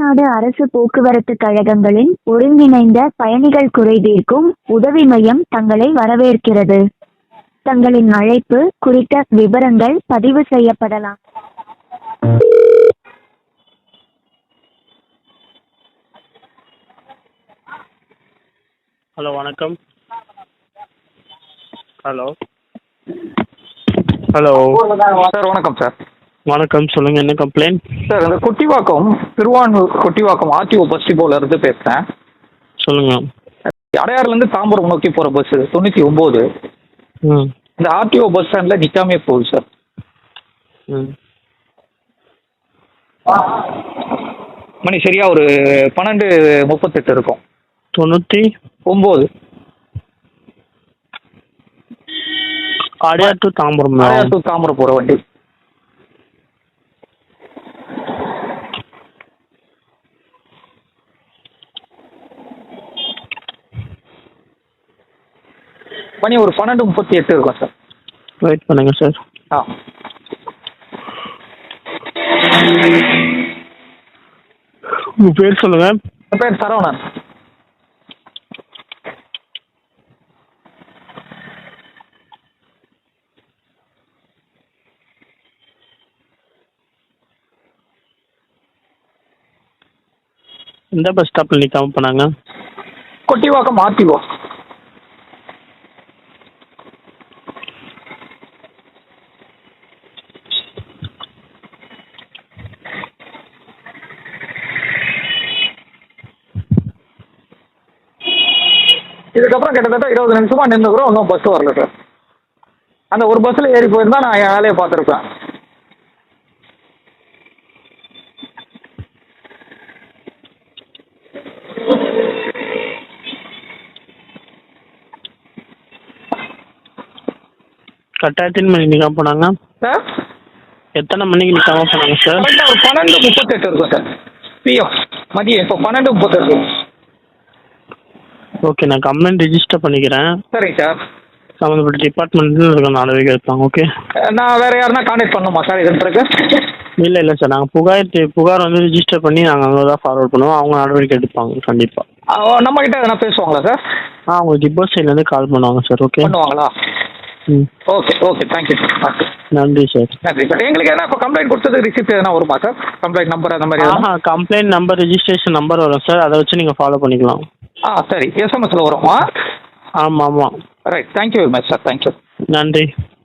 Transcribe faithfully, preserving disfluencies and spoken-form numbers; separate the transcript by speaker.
Speaker 1: தமிழ்நாடு அரசு போக்குவரத்து கழகங்களின் ஒருங்கிணைந்த பயணிகள் குறைதீர்க்கும் உதவி மையம் தங்களை வரவேற்கிறது. தங்களின் அழைப்பு குறித்த விவரங்கள் பதிவு செய்யப்படலாம்.
Speaker 2: ஹலோ வணக்கம். ஹலோ ஹலோ
Speaker 3: சார் வணக்கம் சார்.
Speaker 2: வணக்கம், சொல்லுங்கள், என்ன கம்ப்ளைண்ட்?
Speaker 3: சார் இந்த கொட்டிவாக்கம் திருவான்மூர் கொட்டிவாக்கம் ஆர்டிஓ பஸ் டிப்போல இருந்து பேசுகிறேன்.
Speaker 2: சொல்லுங்கள்.
Speaker 3: அடையாறுலேருந்து தாம்பரம் நோக்கி போகிற பஸ்ஸு தொண்ணூற்றி ஒம்பது
Speaker 2: ம்
Speaker 3: இந்த ஆர்டிஓ பஸ் ஸ்டாண்டில் நிற்காமே போகுது சார்.
Speaker 2: ம்
Speaker 3: மணி சரியா ஒரு பன்னெண்டு முப்பத்தெட்டு இருக்கும்.
Speaker 2: தொண்ணூற்றி
Speaker 3: ஒம்பது
Speaker 2: அடையார் டு தாம்பரம்.
Speaker 3: அடையார் டு தாம்பரம் போகிற வண்டி. மணி ஒரு பன்னெண்டு முப்பத்தி எட்டு இருக்கும் சார்.
Speaker 2: வெயிட் பண்ணுங்க சார்.
Speaker 3: ஆ
Speaker 2: உங்கள் பேர் சொல்லுங்கள்.
Speaker 3: என் பேர் சரவணன்.
Speaker 2: எந்த பஸ் ஸ்டாப்பில் நிற்காம போனாங்க?
Speaker 3: கொட்டிவாக்கம் ஆர்டிஓ. இதுக்கப்புறம் கிட்டத்தட்ட இருபது நிமிஷமா நின்றுக்கிறோம், ஒன்றும் பஸ் வரல சார். அந்த ஒரு பஸ்ஸில் ஏறி போயிருந்தா நான் என் வேலையை பார்த்துருப்பேன்.
Speaker 2: கட்டாயத்தின் மணி நிற்காம போனாங்க
Speaker 3: சார்
Speaker 2: எத்தனை மணிக்கு நிற்காம போனாங்க சார்?
Speaker 3: கரெக்டாக ஒரு பன்னெண்டு முப்பத்தெட்டு இருக்கும் சார். பிஎம் மதியம் இப்போ பன்னெண்டு முப்பத்தெட்டு.
Speaker 2: ஓகே, நான் கம்ப்ளைண்ட் ரெஜிஸ்டர் பண்ணிக்கிறேன்.
Speaker 3: சரிங்க சார்.
Speaker 2: சம்மந்தப்பட்ட டிபார்ட்மெண்ட்டில் இருக்க நடவடிக்கை எடுப்பாங்க. ஓகே,
Speaker 3: நான் வேறு யாருன்னா கான்டாக்ட் பண்ணணுமா சார் இதன் பிறகு?
Speaker 2: இல்லை இல்லை சார், நாங்கள் புகார் புகார் வந்து ரிஜிஸ்டர் பண்ணி நாங்கள் அங்கே தான் ஃபார்வர்ட் பண்ணுவோம். அவங்க நடவடிக்கை எடுப்பாங்க கண்டிப்பாக.
Speaker 3: நம்மக்கிட்ட எதனா பேசுவாங்களா சார்?
Speaker 2: ஆ, உங்களுக்கு டிப்போ சைட்லேருந்து கால் பண்ணுவாங்க சார். ஓகே,
Speaker 3: பண்ணுவாங்களா?
Speaker 2: ம்
Speaker 3: ஓகே ஓகே தேங்க்யூ சார்.
Speaker 2: நன்றி சார்.
Speaker 3: நன்றி சார். எங்களுக்கு எதனா இப்போ கம்ப்ளைண்ட் கொடுத்தது ரிசிப்ட் எதனா வருமா சார்? கம்ப்ளைண்ட் நம்பர் அந்த மாதிரி எதனா?
Speaker 2: ஆஹா, கம்ப்ளைண்ட் நம்பர் ரெஜிஸ்ட்ரேஷன் நம்பர் வரும் சார், அதை வச்சு நீங்கள் ஃபாலோ பண்ணிக்கலாம்.
Speaker 3: ஆ சரி, எஸ்எம்எஸ்ல வருமா?
Speaker 2: ஆமாம் ஆமாம்.
Speaker 3: Right, thank you very much sir. Thank you.
Speaker 2: நன்றி.